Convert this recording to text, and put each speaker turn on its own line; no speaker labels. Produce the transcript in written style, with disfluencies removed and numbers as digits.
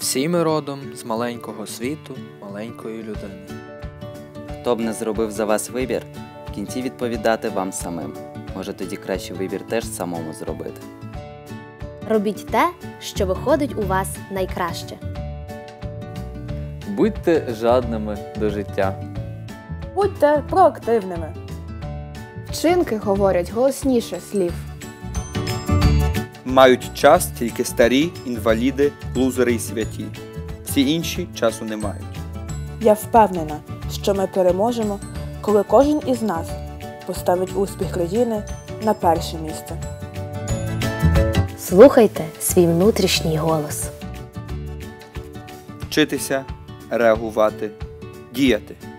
Всі ми родом з маленького світу, маленької людини.
Хто б не зробив за вас вибір, в кінці відповідати вам самим. Може, тоді краще вибір теж самому зробити.
Робіть те, що виходить у вас найкраще.
Будьте жадними до життя.
Будьте проактивними.
Вчинки говорять голосніше слів.
Мають час тільки старі, інваліди, лузери і святі. Всі інші часу не мають.
Я впевнена, що ми переможемо, коли кожен із нас поставить успіх країни на перше місце.
Слухайте свій внутрішній голос.
Вчитися, реагувати, діяти.